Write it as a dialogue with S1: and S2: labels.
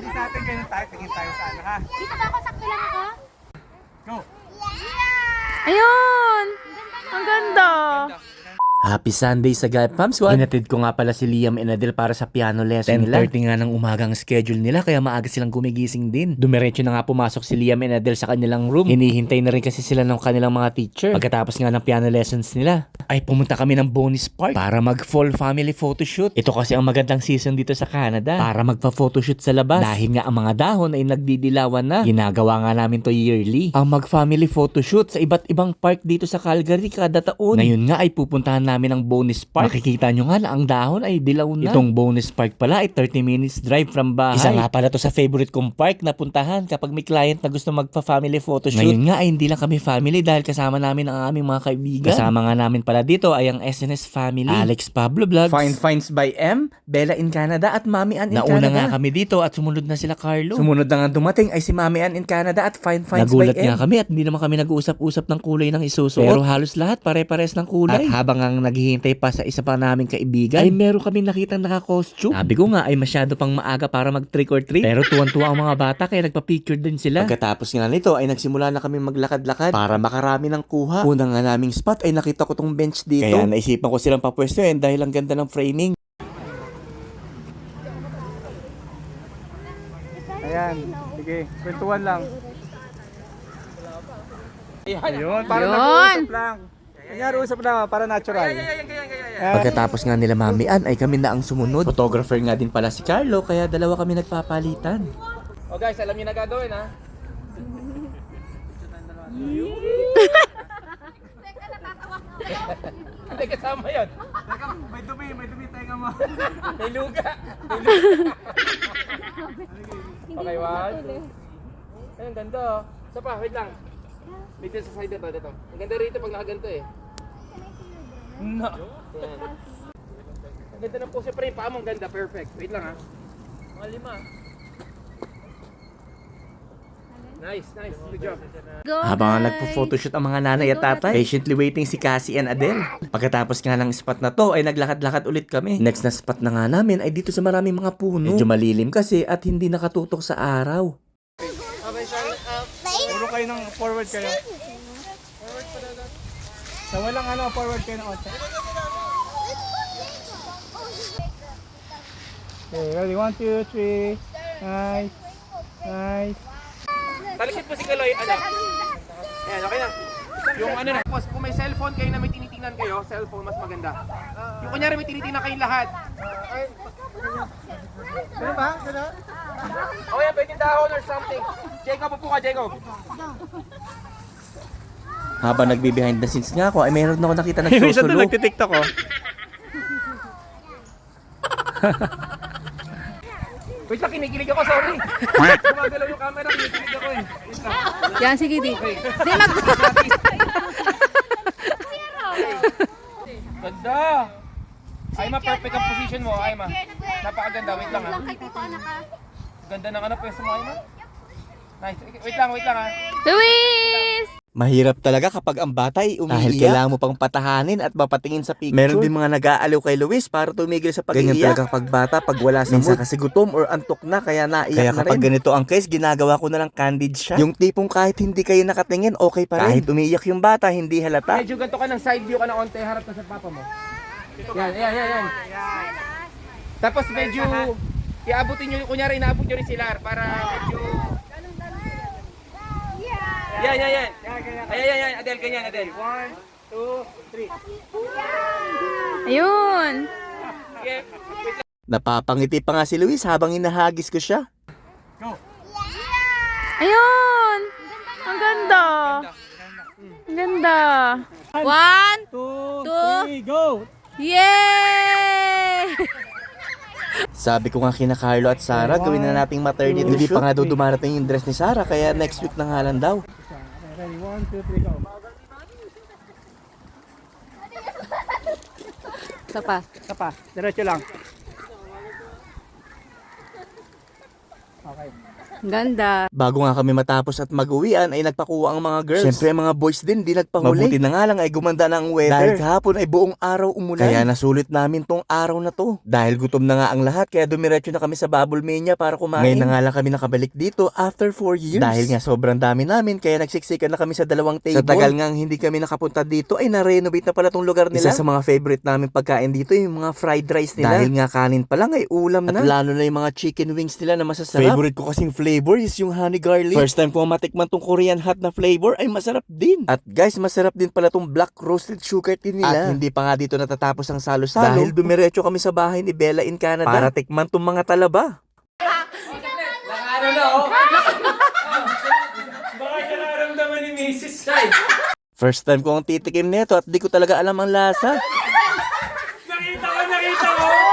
S1: practice natin, ganyan tayo, tingin tayo sa ano ha.
S2: Dito ba ako? Sakto lang ako?
S1: Go!
S3: Ayun! Ang ganda! Happy Sunday sa Galp Fam Squad! Hinatid ko nga pala si Liam and Adel para sa piano lesson nila. 10:30 nga ng umagang schedule nila kaya maaga silang gumigising din. Dumiretso na nga pumasok si Liam and Adel sa kanilang room. Hinihintay na rin kasi sila ng kanilang mga teacher. Pagkatapos nga ng piano lessons nila, ay pumunta kami ng Bonus Park para mag-fall family photoshoot. Ito kasi ang magandang season dito sa Canada para magpa-photoshoot sa labas. Dahil nga ang mga dahon ay nagdidilawan na. Ginagawa nga namin to yearly. Ang mag-family photoshoot sa iba't ibang park dito sa Calgary kada taon. Ngayon nga ay pupuntahan namin ang Bonus Park. Makikita nyo nga na ang dahon ay dilaw na. Itong Bonus Park pala ay 30 minutes drive from bahay. Isa nga pala to sa favorite kong park na puntahan kapag may client na gusto magpa-family photoshoot. Ngayon nga ay hindi lang kami family dahil kasama namin ang aming mga kaibigan. Kasama nga namin pala dito ay ang SNS family. Alex Pablo Vlogs,
S4: Fine Finds by M, Bella in Canada at Mami Ann in Canada.
S3: Nauna nga kami dito at sumunod na sila Carlo.
S4: Sumunod na nga dumating ay si Mami Ann in Canada at Fine Finds
S3: Nagulat
S4: by M.
S3: nga kami at hindi naman kami nag-uusap-usap ng kulay ng isusuot. Pero halos lahat pare-pares ng kulay. At habang ang naghihintay pa sa isa pa naming kaibigan, ay meron kaming nakitang naka-costume. Sabi ko nga ay masyado pang maaga para mag-trick or treat. Pero tuwan-tuwa ang mga bata kaya nagpa-picture din sila.
S4: Pagkatapos nga nito ay nagsimula na kami maglakad-lakad para makarami ng kuha. Unang nga naming spot ay nakita ko tong bench dito. Kaya naisipan ko silang papwestuhin dahil ang ganda ng framing.
S1: Ayan, sige, kwentuhan lang. Ayun, para nag-uusap lang. Kunyari, usap lang, para natural.
S4: Pagkatapos nga nila Mami Ann ay kami na ang sumunod. Photographer nga din pala si Carlo kaya dalawa kami nagpapalitan.
S5: Oh guys, alam niyo na gagawin ha? Hindi kasama yun.
S1: Teka, may dumi, tenga mo.
S5: May luga. May luga. Okay, one. Ayun, ganda oh. Isa pa, wait lang. Dito sa side na to, dito. Ang ganda rito pag nakaganto eh.
S1: No.
S5: Yan. Ang ganda ng pose, pre, paa mo ang ganda, perfect. Wait lang ha. Mga 5. Nice, nice. Good job.
S4: Habang nagpo-photoshoot ang mga nanay at tatay, patiently waiting si Cassie and Adele. Pagkatapos nga ng spot na to ay naglakad-lakad ulit kami. Next na spot na nga namin ay dito sa maraming mga puno. Medyo malilim kasi at hindi nakatutok sa araw.
S1: Puro kayo ng forward kayo. Sa walang ano, forward kayo ng 8. Okay, ready? 1, 2, 3. Nice. Nice.
S5: Talikit mo si Kaloy, ano? Ayan, okay na. Yung ano na, kung may cellphone kayo na may tinitingnan kayo, cellphone mas maganda. Yung kunyari may tinitingnan kayong lahat.
S1: Ano ba? Ano?
S5: O yan, pwede dahon or something. Jacob, upo ka, Jacob.
S4: Habang nagbe-behind the scenes nga ako ay mayroon ako nakita ng
S1: Isa doon
S4: susulo.
S1: nagtitiktok ko.
S5: Wait lang, kinikilig ako, sorry. Gumagalaw yung camera, kinikilig ako eh. Wait lang.
S3: Yan, sige di. Di mag...
S5: Ganda! Ayma, perfect ang position mo, Ayma. Napakaganda, wait lang ha. Ganda ng ano, pwesto mo, Ayma. Nice. Wait lang ha.
S3: Luis!
S4: Mahirap talaga kapag ang bata ay umiiyak. Dahil kailangan mo pang patahanin at mapatingin sa picture. Meron din mga nag-aaliw kay Luis para tumigil sa pag-iiyak. Ganyan talaga pag bata, pag wala sa mood. Kasi gutom or antok na, kaya naiyak na rin. Kaya kapag ganito ang case, ginagawa ko na lang candid shot. Yung tipong kahit hindi kayo nakatingin, okay pa rin. Kahit umiiyak yung bata, hindi halata.
S5: Medyo ganito ka ng side view ka ng onte, harap na sa papa mo. Yan. Tapos medyo, iabutin nyo, kunyari inaabot nyo rin si Lar para medyo... Yan. Ayan, Adele, ganyan, Adele. 1, 2, 3.
S3: Ayun!
S5: Sige.
S4: Napapangiti pa nga si Luis habang hinahagis ko siya.
S3: Ayun! Ang ganda! Ang ganda! 1,
S1: 2, 3, go!
S3: yay!
S4: Sabi ko nga kina Carlo at Sarah, gawin na nating maternity shoot. Hindi pa nga daw dumarating yung dress ni Sarah, kaya next week na nga lang daw.
S1: Ready? 1, 2, 3, go!
S3: Isa pa.
S1: Diretso lang. Okay.
S2: Ganda.
S4: Bago nga kami matapos at mag-uwian ay nagpakuha ang mga girls. Siyempre ang mga boys din di nagpahuli. Mabuti na nga lang ay gumanda na ang weather. Dahil kahapon ay buong araw umulan. Kaya nasulit namin tong araw na to. Dahil gutom na nga ang lahat kaya dumiretso na kami sa Bubble Mania para kumain. Ngayon na nga lang kami nakabalik dito after 4 years. Dahil nga sobrang dami namin kaya nagsiksikan na kami sa dalawang table. Sa tagal nga hindi kami nakapunta dito ay na-renovate na pala tong lugar nila. Isa sa mga favorite namin pagkain dito yung mga fried rice nila. Dahil nga kanin pa lang ay ulam na. At lalo na yung mga chicken wings nila na masasarap. Favorite ko kasing flavor is yung honey garlic. First time ko matikman tong Korean hot na flavor ay masarap din. At guys, masarap din pala tong black roasted sugar tea nila. At hindi pa nga dito natatapos ang salo-salo. Dahil dumiretso kami sa bahay ni Bella in Canada para tikman tong mga talaba. First time ko ang titikim nito at di ko talaga alam ang lasa.
S1: Nakita ko!